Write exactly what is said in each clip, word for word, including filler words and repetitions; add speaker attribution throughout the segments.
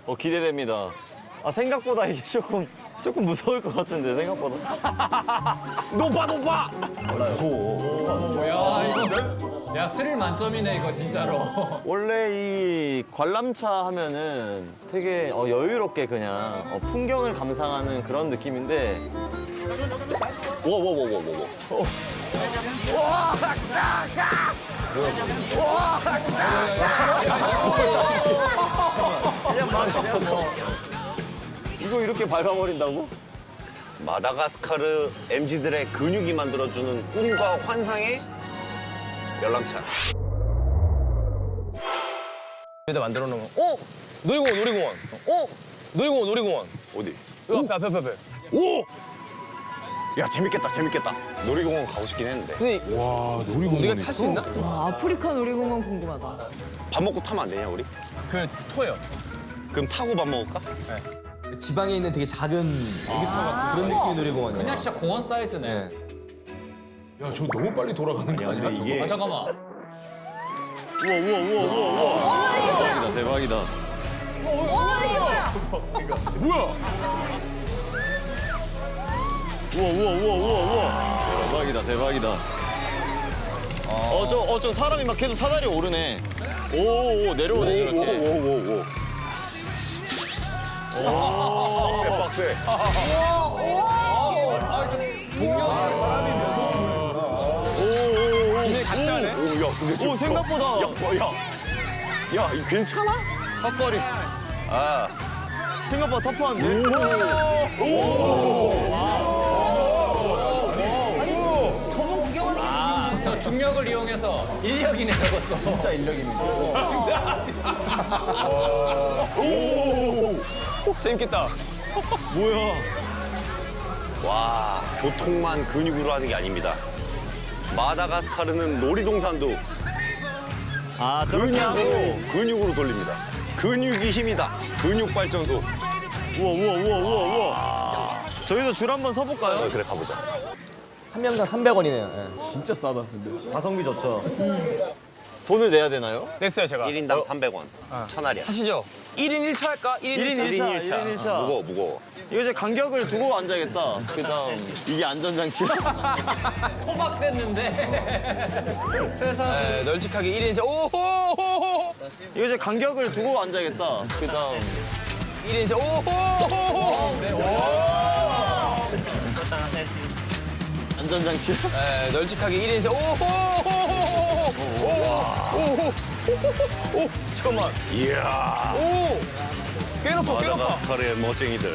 Speaker 1: 어, 기대됩니다. 아, 생각보다 이게 조금, 조금 무서울 것 같은데, 생각보다.
Speaker 2: 높아 높아.
Speaker 3: 야 이거 야 스릴 만점이네 이거 진짜로.
Speaker 1: 원래 이 관람차 하면은 되게 어, 여유롭게 그냥 어, 풍경을 감상하는 그런 느낌인데.
Speaker 2: 워워워워워워.
Speaker 1: 그냥 맛이야, 뭐. 이거 이렇게 밟아버린다고?
Speaker 2: 마다가스카르 엠지들의 근육이 만들어주는 꿈과 환상의 열람차.
Speaker 4: 여기다 만들어 놓은 거. 어? 놀이공원, 놀이공원. 어? 놀이공원, 놀이공원.
Speaker 2: 어디?
Speaker 4: 이거 앞에, 앞에, 앞에, 앞에.
Speaker 2: 오! 야 재밌겠다 재밌겠다. 놀이공원 가고 싶긴 했는데.
Speaker 4: 근데 와, 놀이공원. 우리가 탈 수 있나?
Speaker 5: 와, 아프리카 놀이공원 궁금하다.
Speaker 2: 밥 먹고 타면 안 되냐 우리?
Speaker 4: 그 토요.
Speaker 2: 그럼 타고 밥 먹을까?
Speaker 6: 지방에 있는 되게 작은 그런 느낌의 놀이공원이에요.
Speaker 3: 그냥 진짜 공원 사이즈네.
Speaker 6: 네.
Speaker 7: 야, 저 너무 빨리 돌아가는 거 아니야?
Speaker 1: 이게.
Speaker 3: 아 잠깐만.
Speaker 1: 우와, 우와, 우와, 우와, 우와. 대박이다, 대박이다.
Speaker 5: 와, 이게 뭐야?
Speaker 7: 뭐야?
Speaker 1: 우와, 우와, 우와, 우와, 우와. 대박이다, 대박이다. 어, 저, 어, 저 사람이 막 계속 사다리 오르네. 오, 오, 내려오네, 저렇게.
Speaker 2: 오오오오. 빡세 빡세.
Speaker 4: 근데 같이 하네?
Speaker 2: 오, 야, 근데 좀
Speaker 1: 오, 생각보다.
Speaker 2: 야, 뭐, 야, 야, 이거 괜찮아?
Speaker 1: 턱걸이.
Speaker 2: 아,
Speaker 1: 생각보다 터프한데?
Speaker 5: 저분 구경하는 게
Speaker 3: 아, 저 중력을 이용해서 인력이네 저것도.
Speaker 1: 진짜 인력입니다.
Speaker 4: 재밌겠다.
Speaker 1: 뭐야?
Speaker 2: 와, 교통만 근육으로 하는 게 아닙니다. 마다가스카르는 놀이동산도
Speaker 1: 아, 저렇게 하고.
Speaker 2: 근육으로, 근육으로 돌립니다. 근육이 힘이다. 근육 발전소.
Speaker 1: 우와, 우와, 우와, 우와, 우와. 저희도 줄 한번
Speaker 2: 어,
Speaker 1: 서볼까요?
Speaker 2: 그래 가보자.
Speaker 6: 한 명당 삼백 원이네요.
Speaker 1: 진짜 싸다, 근데. 가성비 좋죠. 돈을 내야 되나요?
Speaker 4: 냈어요, 제가.
Speaker 2: 일 인당 삼백 원. 천알이야.
Speaker 4: 하시죠. 일 인 일 차 할까? 일 인 일 차.
Speaker 1: 일 인 일 차. 일 인 일 차.
Speaker 2: 무거워 무거워.
Speaker 1: 이거 이제 간격을 두고 앉아야겠다. 그 다음, 이게 안전장치.
Speaker 3: 호박 됐는데. 세상.
Speaker 4: 네, 널찍하게 일 인 일 차. 오호호호!
Speaker 1: 이거 이제 간격을 두고 앉아야겠다. 그 다음,
Speaker 4: 일 인 일 차. 오호호호!
Speaker 1: 안전장치.
Speaker 4: 네, 널찍하게 일 인 일 차. 오호호호! 오호! 오! 잠깐만.
Speaker 2: 이야.
Speaker 4: 오! 꽤 높아, 꽤 높아.
Speaker 2: 마다가스카르의 멋쟁이들.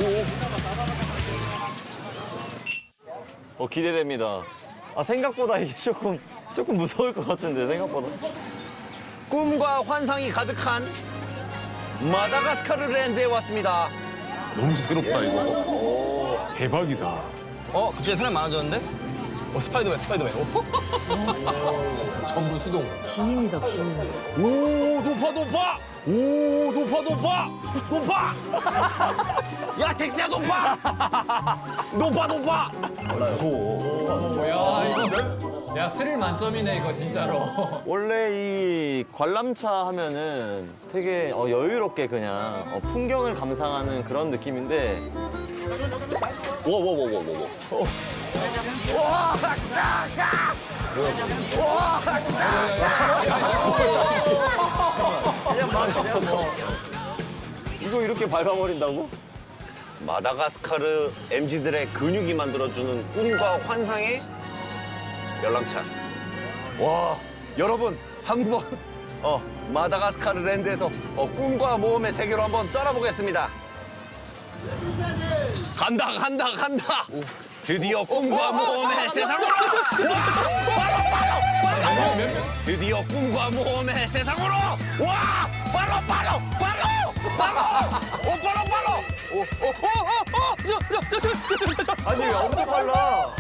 Speaker 1: 어, 기대됩니다. 아, 생각보다 이게 조금, 조금 무서울 것 같은데, 생각보다.
Speaker 2: 꿈과 환상이 가득한 마다가스카르 랜드에 왔습니다.
Speaker 7: 너무 새롭다, 이거. 대박이다.
Speaker 4: 어, 갑자기 사람 많아졌는데? 어, 스파이더맨, 스파이더맨. 오.
Speaker 6: 전부 수동.
Speaker 5: 기인이다, 기인.
Speaker 2: 오 높아 높아. 오 높아 높아 높아. 야 텍스야 높아. 높아 높아.
Speaker 3: 야 이거 야 스릴 만점이네 이거 진짜로.
Speaker 1: 원래 이 관람차 하면은 되게 어, 여유롭게 그냥 어, 풍경을 감상하는 그런 느낌인데.
Speaker 2: 워워워워워워.
Speaker 1: 그냥 맛이야, 뭐. 이거 이렇게 밟아버린다고?
Speaker 2: 마다가스카르 엠지들의 근육이 만들어주는 꿈과 환상의 열람차. 와 여러분 한번 어 마다가스카르 랜드에서 어, 꿈과 모험의 세계로 한번 떠나보겠습니다. 간다 간다 간다. 드디어 꿈과 모험의 세상으로. 드디어 꿈과 모험의 세상으로. 와 빨로 빨로 빨로 빨로. 오 빨로 빨로.
Speaker 4: 오오오오오! 저, 저, 저, 저, 저, 저, 저, 저.
Speaker 1: 아니, 왜 엄청 빨라?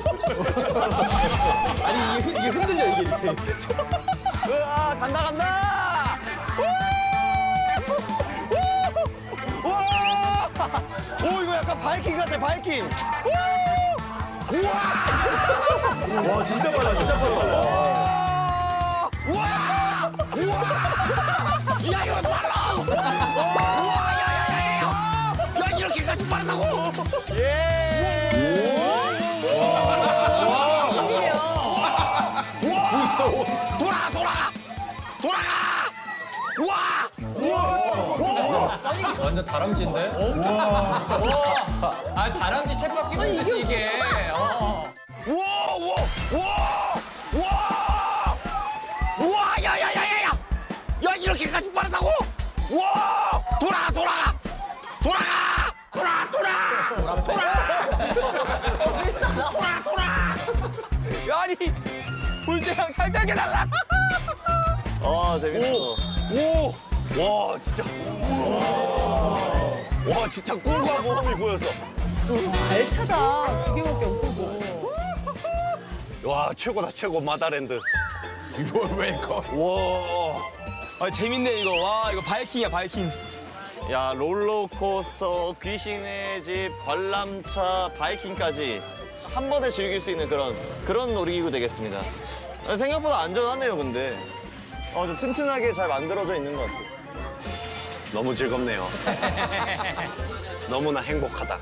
Speaker 6: 아니 이게, 이게 흔들려 이게 이렇게.
Speaker 1: 으아, 간다, 간다! 우와! 오, 이거 약간 바이킹 같아, 바이킹!
Speaker 7: 와, 진짜 빨라, 진짜 빨라.
Speaker 2: 우와! 우와! 야 이거 빨라! 우와! 빠르다고.
Speaker 7: 부스터.
Speaker 2: 돌아가 돌아가 돌아가. 와.
Speaker 3: 완전 다람쥐인데? 아 다람쥐 챗바퀴 보듯이 이게. 어.
Speaker 2: 우와 우와 우와 우와 우와 야야야야야 야 이렇게까지 빠르다고? 우와 돌아가 돌아가 돌아가 돌아 돌아 돌아 돌아 돌아
Speaker 4: 아니 불대랑 탈탈게 달라.
Speaker 1: 아 재밌어.
Speaker 2: 오와 진짜 와 진짜 꿈과 모험이 보였어.
Speaker 5: 알차다. 두 개밖에 없어도.
Speaker 2: 와 최고다 최고 마다랜드.
Speaker 7: 이걸 왜 이거?
Speaker 2: 와
Speaker 6: 아 재밌네 이거. 와 이거 바이킹이야 바이킹.
Speaker 1: 야 롤러코스터, 귀신의 집, 관람차, 바이킹까지 한 번에 즐길 수 있는 그런 그런 놀이기구 되겠습니다. 생각보다 안전하네요, 근데. 어, 좀 튼튼하게 잘 만들어져 있는 것 같아요.
Speaker 2: 너무 즐겁네요. 너무나 행복하다.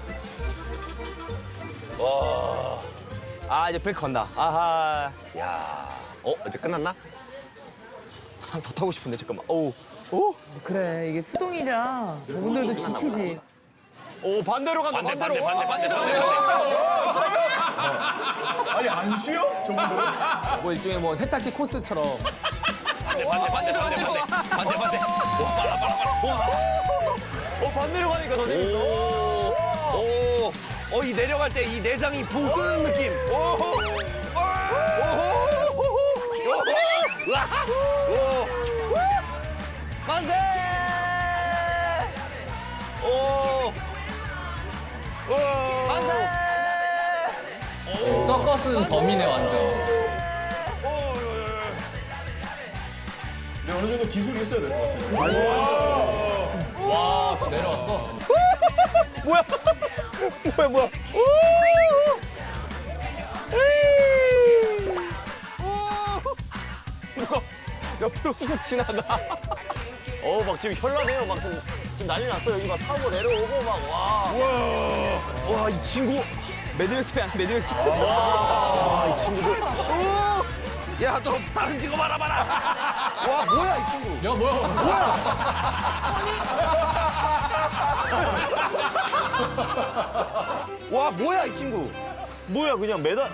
Speaker 2: 와.
Speaker 6: 아 이제 브레이크 건다. 아하.
Speaker 2: 야. 어 이제 끝났나?
Speaker 6: 아, 더 타고 싶은데 잠깐만. 어우. 오.
Speaker 5: 그래 이게 수동이라 저분들도 지치지.
Speaker 1: 오, 반대로 간다,
Speaker 2: 반대
Speaker 1: 반대로.
Speaker 2: 반대 반대 반대 반대.
Speaker 7: 아니 안 쉬어? 저분들은?
Speaker 6: 뭐 일종의 뭐 세탁기 코스처럼.
Speaker 2: 반대 반대 반대 반대 반대 반대 반대. 와 빨라 빨라 빨라.
Speaker 1: 어, 반대로 가니까 더 재밌어.
Speaker 2: 오. 어 이 내려갈 때 이 내장이 붕 뜨는 느낌. 오호. 오호. 오호. 으아. 오.
Speaker 1: 만세!
Speaker 2: 오. 오.
Speaker 1: 만세!
Speaker 3: 서커스는 범이네 완전.
Speaker 7: 근데 어느 정도 기술이 있어야 될 것 같아.
Speaker 3: 와, 또 내려왔어.
Speaker 6: 뭐야 뭐야. 누가 옆으로 훅 지나가.
Speaker 1: 어, 막 지금 현란해요. 막 지금, 지금 난리 났어. 여기 막 타고 내려오고 막 와.
Speaker 2: 와 이 친구.
Speaker 6: 매드맥스야 매드맥스.
Speaker 2: 아 이 친구들. 야 너 다른 직업 알아봐라. 와 뭐야 이 친구.
Speaker 3: 야 뭐야?
Speaker 1: 와, 뭐야, 이 친구. 뭐야, 그냥 매달.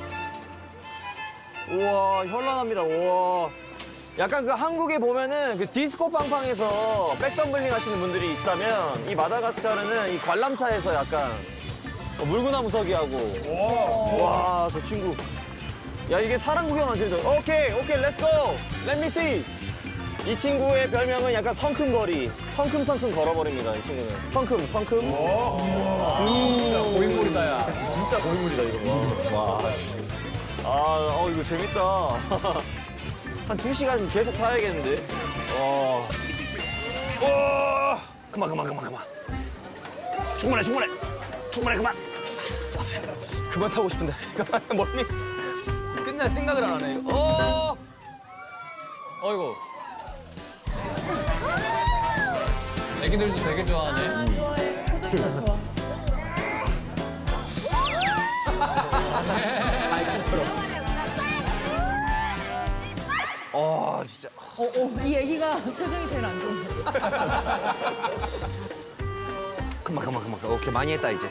Speaker 1: 우와, 현란합니다. 우와. 약간 그 한국에 보면은 그 디스코 팡팡에서 백덤블링 하시는 분들이 있다면 이 마다가스카르는 이 관람차에서 약간 어, 물구나무 서기 하고. 와, 저 친구. 야, 이게 사람 구경하는 친구. 오케이, 오케이, 렛츠고. Let me see. 이 친구의 별명은 약간 성큼거리. 성큼성큼 걸어버립니다, 이 친구는. 성큼, 성큼.
Speaker 3: 진짜 고인물이다 야.
Speaker 1: 진짜 고인물이다, 이거. 와. 아, 어, 이거 재밌다. 한 두 시간 계속 타야겠는데? 와.
Speaker 2: 오. 그만 그만 그만 그만. 충분해 충분해. 충분해 그만.
Speaker 6: 그만 타고 싶은데. 멀미. 끝날 생각을 안 하네. 이거. 어.
Speaker 3: 어이구. 애기들도 되게 좋아하네.
Speaker 5: 좋아해. 표정이 다 좋아.
Speaker 6: 바이킹처럼.
Speaker 2: 어 진짜.
Speaker 5: 어, 어, 이 애기가 표정이 제일 안 좋아.
Speaker 2: 그만 그만 그만. 오케이 많이 했다 이제.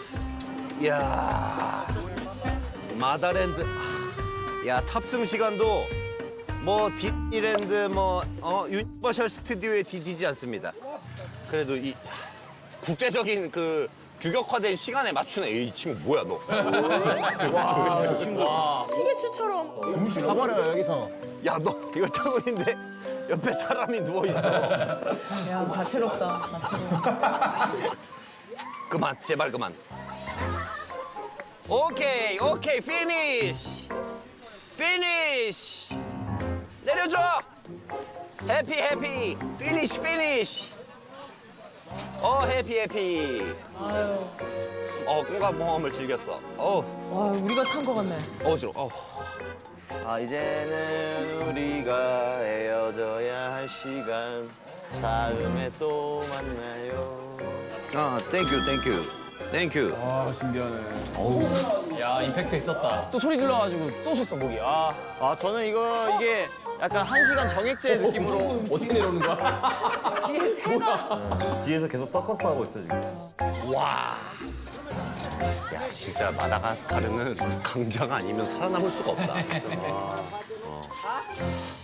Speaker 2: 이야. 마다랜드. 야 탑승 시간도 뭐 디즈니랜드 뭐어 유니버셜 스튜디오에 뒤지지 않습니다. 그래도 이 국제적인 그 규격화된 시간에 맞추네. 이 친구 뭐야 너?
Speaker 1: 와, 저 친구.
Speaker 5: 시계추처럼.
Speaker 1: 잡아려요, 여기서.
Speaker 2: 야 너 이걸 타고 있는데 옆에 사람이 누워 있어.
Speaker 5: 야, 다채롭다. 다채로워.
Speaker 2: 그만 제발 그만. 오케이 오케이 피니쉬 피니쉬 내려줘. 해피 해피 피니쉬 피니쉬. 어 해피 해피.
Speaker 5: 아유,
Speaker 2: 어 꿈과 모험을 즐겼어. 어
Speaker 5: 와, 우리가 탄 거 같네.
Speaker 2: 어지러. 워 어.
Speaker 1: 아, 이제는 우리가 헤어져야 할 시간. 다음에 또 만나요.
Speaker 2: 아 땡큐 땡큐. 땡큐.
Speaker 7: 아, 신기하네.
Speaker 3: 야 임팩트 있었다.
Speaker 6: 또 소리 질러가지고 또 섰어 목이. 아
Speaker 1: 아 저는 이거 이게 약간 한 시간 정액제 느낌으로
Speaker 6: 어떻게 내려오는 거야?
Speaker 5: 뒤에 새가
Speaker 1: 뒤에서 계속 서커스 하고 있어 지금.
Speaker 2: 야 진짜 마다가스카르는 강자가 아니면 살아남을 수가 없다. 어.